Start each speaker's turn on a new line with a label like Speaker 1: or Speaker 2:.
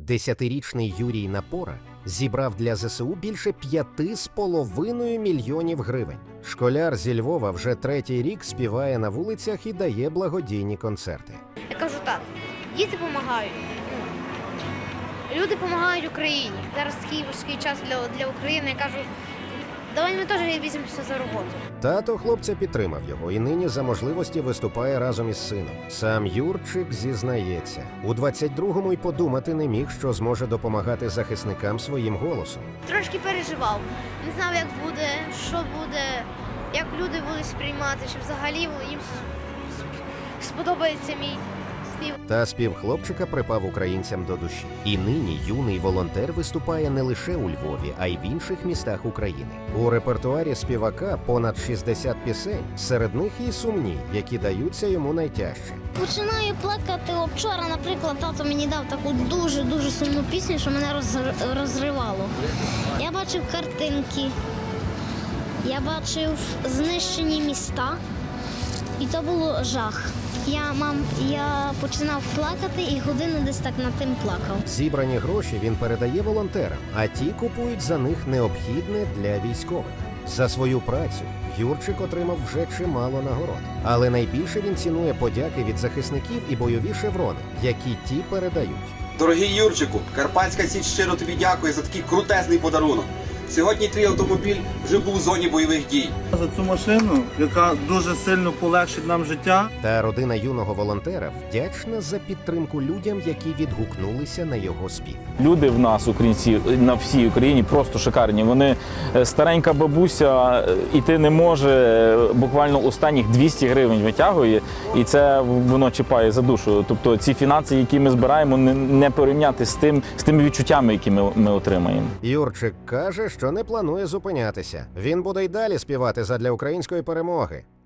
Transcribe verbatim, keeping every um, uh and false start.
Speaker 1: Десятирічний Юрій Напора зібрав для ЗСУ більше п'яти з половиною мільйонів гривень. Школяр зі Львова вже третій рік співає на вулицях і дає благодійні концерти.
Speaker 2: Я кажу так, діти допомагають, люди допомагають Україні. Зараз такий важкий час для, для України. Я кажу, давай ми теж візьмемося за роботу.
Speaker 1: Тато хлопця підтримав його і нині за можливості виступає разом із сином. Сам Юрчик зізнається, у двадцять другому й подумати не міг, що зможе допомагати захисникам своїм голосом.
Speaker 2: Трошки переживав, не знав, як буде, що буде, як люди будуть сприймати, чи взагалі їм сподобається мій спів.
Speaker 1: Та спів хлопчика припав українцям до душі. І нині юний волонтер виступає не лише у Львові, а й в інших містах України. У репертуарі співака понад шістдесят пісень, серед них і сумні, які даються йому найтяжче.
Speaker 3: Починаю плакати. От вчора, наприклад, тато мені дав таку дуже-дуже сумну пісню, що мене роз- розривало. Я бачив картинки, я бачив знищені міста, і то було жах. Я, мам, я починав плакати і годину десь так над тим плакав.
Speaker 1: Зібрані гроші він передає волонтерам, а ті купують за них необхідне для військових. За свою працю Юрчик отримав вже чимало нагород. Але найбільше він цінує подяки від захисників і бойові шеврони, які ті передають.
Speaker 4: Дорогий Юрчику, Карпатська Січ щиро тобі дякує за такий крутезний подарунок. Сьогодні твій автомобіль вже був у зоні бойових дій.
Speaker 5: За цю машину, яка дуже сильно полегшить нам життя.
Speaker 1: Та родина юного волонтера вдячна за підтримку людям, які відгукнулися на його спів.
Speaker 6: Люди в нас, українці, на всій Україні просто шикарні. Вони старенька бабуся іти не може, буквально останніх двісті гривень витягує, і це воно чіпає за душу. Тобто ці фінанси, які ми збираємо, не порівняти з тим, з тими відчуттями, які ми, ми отримаємо.
Speaker 1: Юрчик каже, що не планує зупинятися. Він буде й далі співати задля української перемоги.